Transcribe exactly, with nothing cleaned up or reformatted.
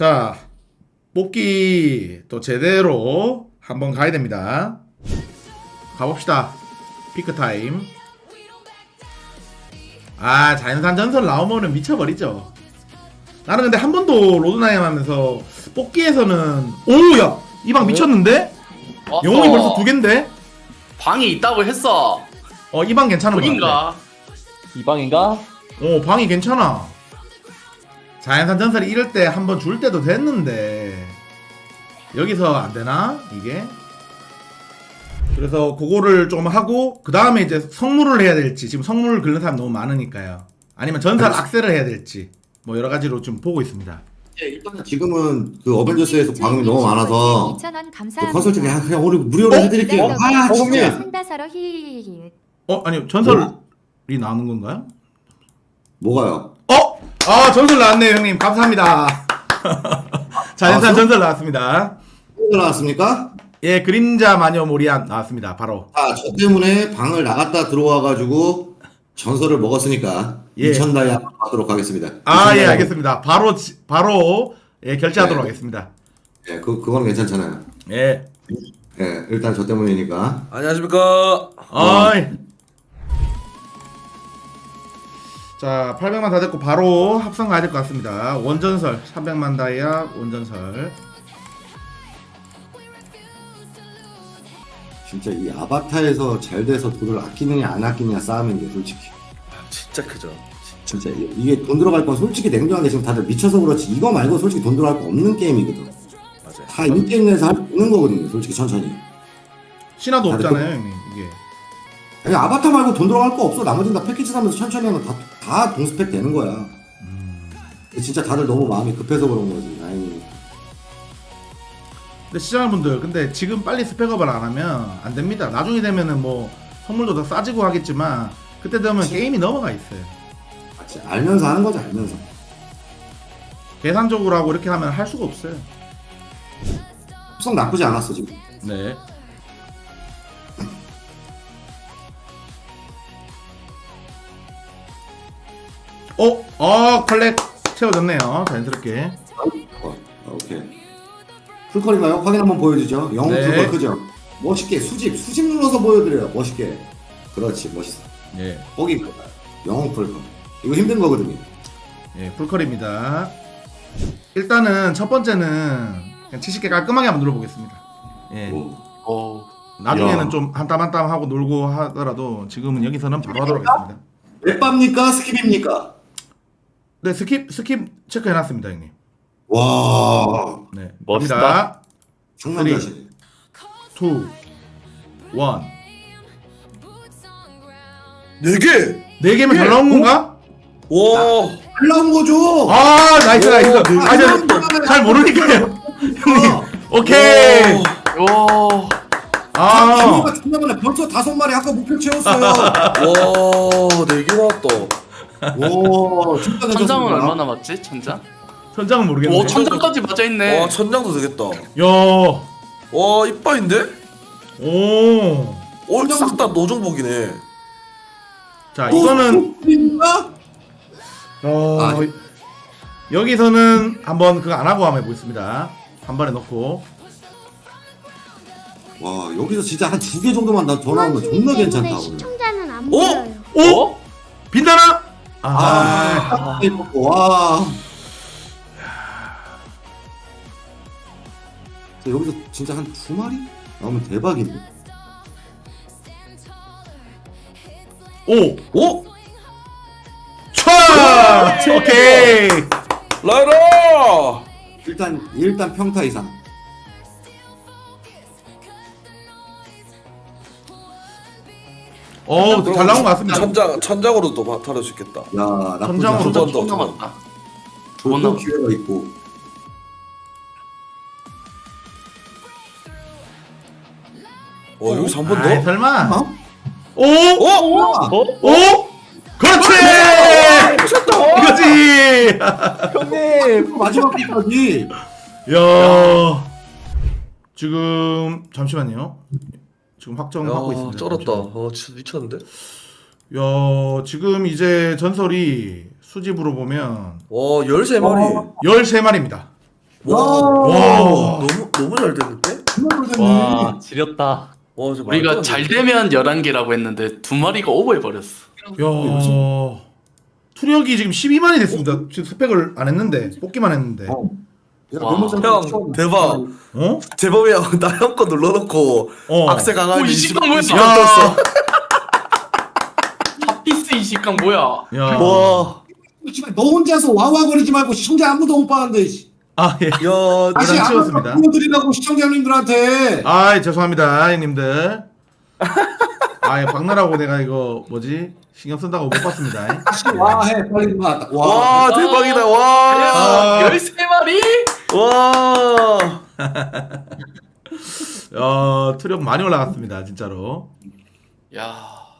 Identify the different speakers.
Speaker 1: 자, 뽑기 또 제대로 한번 가야 됩니다. 가봅시다. 피크 타임. 아, 자연산 전설 나오면은 미쳐버리죠. 나는 근데 한 번도 로드나임 하면서 뽑기에서는 오야 이 방 미쳤는데?
Speaker 2: 왔어.
Speaker 1: 영웅이 벌써 두 갠데?
Speaker 2: 방이 있다고 했어.
Speaker 1: 어, 이 방 괜찮은 거 같아.
Speaker 2: 보인가?
Speaker 3: 이 방인가?
Speaker 1: 어, 방이 괜찮아. 자연산 전설이 이럴 때 한 번 줄 때도 됐는데 여기서 안 되나? 이게? 그래서 그거를 좀 하고 그 다음에 이제 성물을 해야 될지, 지금 성물을 긁는 사람 너무 많으니까요. 아니면 전설 악셀을 해야 될지 뭐 여러 가지로 좀 보고 있습니다.
Speaker 4: 예, 일단은 지금은 그 어벤져스에서 방음이 너무 많아서 그 컨설팅 그냥, 그냥 오늘 무료로 해드릴게요. 아
Speaker 3: 어,
Speaker 4: 진짜.
Speaker 5: 상다사로 히히히.
Speaker 1: 어? 아니요, 전설이 나오는 건가요?
Speaker 4: 뭐가요?
Speaker 1: 어? 아, 전설 나왔네요 형님, 감사합니다. 자연산
Speaker 4: 아,
Speaker 1: 전설 나왔습니다.
Speaker 4: 뭐가 나왔습니까?
Speaker 1: 예, 그림자 마녀 모리안 나왔습니다. 바로.
Speaker 4: 아, 저 때문에 방을 나갔다 들어와가지고 전설을 먹었으니까
Speaker 1: 예.
Speaker 4: 이천 다이아 받도록 하겠습니다.
Speaker 1: 아,
Speaker 4: 이천
Speaker 1: 예,
Speaker 4: 다이아.
Speaker 1: 알겠습니다. 바로 지- 바로 예, 결제하도록
Speaker 4: 네.
Speaker 1: 하겠습니다.
Speaker 4: 예, 그 그건 괜찮잖아요.
Speaker 1: 예.
Speaker 4: 예, 일단 저 때문이니까.
Speaker 6: 안녕하십니까.
Speaker 1: 어이. 자, 팔백만 다 됐고 바로 합성 가야 될 것 같습니다. 원전설 삼백만 다이아 원전설.
Speaker 4: 진짜 이 아바타에서 잘 돼서 돈을 아끼느냐 안 아끼느냐 싸움인데 솔직히.
Speaker 6: 진짜 크죠.
Speaker 4: 진짜 이- 이게 돈 들어갈 건 솔직히 냉정하게 지금 다들 미쳐서 그렇지 이거 말고 솔직히 돈 들어갈 거 없는 게임이거든.
Speaker 6: 맞아요.
Speaker 4: 다 인게임 내에서 할 수 있는 거거든요. 솔직히 천천히.
Speaker 1: 신화도
Speaker 4: 다들
Speaker 1: 없잖아요, 형님. 이게.
Speaker 4: 아니, 아바타 말고 돈 들어갈 거 없어. 나머지는 다 패키지 사면서 천천히 하면 다, 다 동스펙 되는 거야.
Speaker 1: 음.
Speaker 4: 진짜 다들 너무 마음이 급해서 그런 거지. 아니,
Speaker 1: 근데 시청자분들, 근데 지금 빨리 스펙업을 안 하면 안 됩니다. 나중에 되면은 뭐 선물도 더 싸지고 하겠지만 그때 되면 게임이 넘어가 있어요.
Speaker 4: 같이 알면서 하는 거지, 알면서.
Speaker 1: 계산적으로 하고 이렇게 하면 할 수가 없어요.
Speaker 4: 합성 나쁘지 않았어, 지금.
Speaker 1: 네. 어? 어, 컬렉 채워졌네요. 자연스럽게.
Speaker 4: 어, 오케이. 풀컬인가요? 확인 한번 보여주죠. 영웅
Speaker 1: 네.
Speaker 4: 풀컬 크죠? 멋있게, 수집, 수집 눌러서 보여드려요. 멋있게. 그렇지, 멋있어.
Speaker 1: 예.
Speaker 4: 거기, 영웅 풀컬. 이거 힘든 거거든요.
Speaker 1: 예, 풀컬입니다. 일단은 첫 번째는 그냥 칠십 개 깔끔하게 한번 눌러보겠습니다. 예.
Speaker 4: 오.
Speaker 2: 어.
Speaker 1: 나중에는
Speaker 4: 야.
Speaker 1: 좀 한 땀 한 땀 하고 놀고 하더라도 지금은 여기서는 바로 하도록 하겠습니다.
Speaker 4: 랩밥입니까? 스킵입니까?
Speaker 1: 네, 스킵, 스킵 체크해놨습니다, 형님.
Speaker 4: 와,
Speaker 1: 네.
Speaker 3: 멋있다.
Speaker 1: 갑니다.
Speaker 4: 상남자시.
Speaker 1: 투, 원.
Speaker 6: 네 개.
Speaker 1: 네 개면 잘 나온 건가?
Speaker 6: 와.
Speaker 4: 잘 나온 거죠?
Speaker 1: 아, 나이스, 나이스.
Speaker 6: 오,
Speaker 1: 아, 저, 잘 모르니까요. 형님, 오케이.
Speaker 2: 요.
Speaker 1: 아,
Speaker 4: 기호가 존나 많네. 벌써 다섯 마리 아까 목표 채웠어요.
Speaker 6: 와. 네 개 나왔다.
Speaker 4: 오, 진짜
Speaker 2: 천장은
Speaker 4: 괜찮습니다.
Speaker 2: 얼마 남았지? 천장?
Speaker 1: 천장은 모르겠는데.
Speaker 2: 오, 천장까지 맞아 있네.
Speaker 6: 와 천장도 되겠다.
Speaker 1: 야,
Speaker 6: 와 이빠인데?
Speaker 1: 오.
Speaker 6: 어싹다 노정복이네.
Speaker 1: 자, 이거는
Speaker 4: 입니까?
Speaker 1: 어,
Speaker 4: 아,
Speaker 1: 여기서는 한번 그거 안 하고 한번 해보겠습니다. 한 번에 넣고.
Speaker 4: 와, 여기서 진짜 한 두 개 정도만 더 나오면 존나 괜찮다. 오늘.
Speaker 5: 시청자는 안
Speaker 6: 어?
Speaker 5: 보여요.
Speaker 1: 오!
Speaker 6: 어?
Speaker 1: 빛나나? 아,
Speaker 4: 아, 와. 자, 여기서 진짜 한 두 마리 나오면 대박인데.
Speaker 1: 오!
Speaker 6: 오?
Speaker 1: 촤! 오케이!
Speaker 6: 라이라.
Speaker 4: 일단 일단 평타 이상.
Speaker 1: 어, 잘 나온 것 같습니다.
Speaker 6: 천장 천장으로도 바- 다룰 수 있겠다.
Speaker 4: 야, 나쁘지
Speaker 1: 천장으로
Speaker 4: 않아.
Speaker 6: 두 번 더.
Speaker 2: 두 남았다. 두 번
Speaker 4: 또
Speaker 2: 남았다.
Speaker 4: 기회가 있고.
Speaker 6: 어 여기서 한 번
Speaker 1: 아이,
Speaker 6: 더?
Speaker 1: 설마.
Speaker 4: 어?
Speaker 1: 오!
Speaker 6: 어?
Speaker 3: 어?
Speaker 1: 오! 그렇지! 이거지!
Speaker 3: 형님!
Speaker 4: 마지막 끝까지.
Speaker 1: 야, 지금 잠시만요. 지금 확정하고
Speaker 6: 야
Speaker 1: 있습니다.
Speaker 6: 쩔었다.
Speaker 1: 잠시만요.
Speaker 6: 어 진짜 미쳤는데?
Speaker 1: 야, 지금 이제 전설이 수집으로 보면
Speaker 6: 와 열세 마리.
Speaker 1: 열세 마리입니다.
Speaker 6: 와,
Speaker 1: 와.
Speaker 6: 너무 너무 잘 됐는데?
Speaker 4: 정말 잘
Speaker 3: 와
Speaker 4: 됐네.
Speaker 3: 지렸다.
Speaker 6: 와, 저 말도
Speaker 2: 우리가
Speaker 6: 안
Speaker 2: 잘
Speaker 6: 돼.
Speaker 2: 되면 열한 개라고 했는데 두 마리가 오버해버렸어.
Speaker 1: 야. 투력이 지금 십이만이 됐습니다. 지금 스펙을 안 했는데 뽑기만 했는데.
Speaker 4: 어. 야,
Speaker 2: 와.
Speaker 4: 너무 잘
Speaker 6: 형
Speaker 4: 됐어.
Speaker 6: 대박.
Speaker 1: 어?
Speaker 6: 재범이 형 나 형 거 눌러놓고
Speaker 1: 어.
Speaker 6: 악세 강하게
Speaker 2: 오, 이 시간 뭐야?
Speaker 1: 야.
Speaker 2: 핫피스 이 식감 뭐야?
Speaker 1: 야.
Speaker 6: 와.
Speaker 4: 씨발, 너 혼자서 와와거리지 말고 시청자 아무도 못 봤는데. 씨.
Speaker 1: 아 예.
Speaker 6: 야,
Speaker 4: 다시
Speaker 1: 대단
Speaker 4: 한번
Speaker 1: 치웠습니다.
Speaker 4: 보여드리라고 시청자님들한테.
Speaker 1: 아 죄송합니다 형님들. 아 박나라고 내가 이거 뭐지 신경 쓴다고 못 봤습니다.
Speaker 4: 다시 와해 빨리 와. 와.
Speaker 6: 와 대박이다. 와.
Speaker 1: 아.
Speaker 2: 열세 마리?
Speaker 6: 와.
Speaker 1: 어 투력 많이 올라갔습니다 진짜로.
Speaker 2: 야.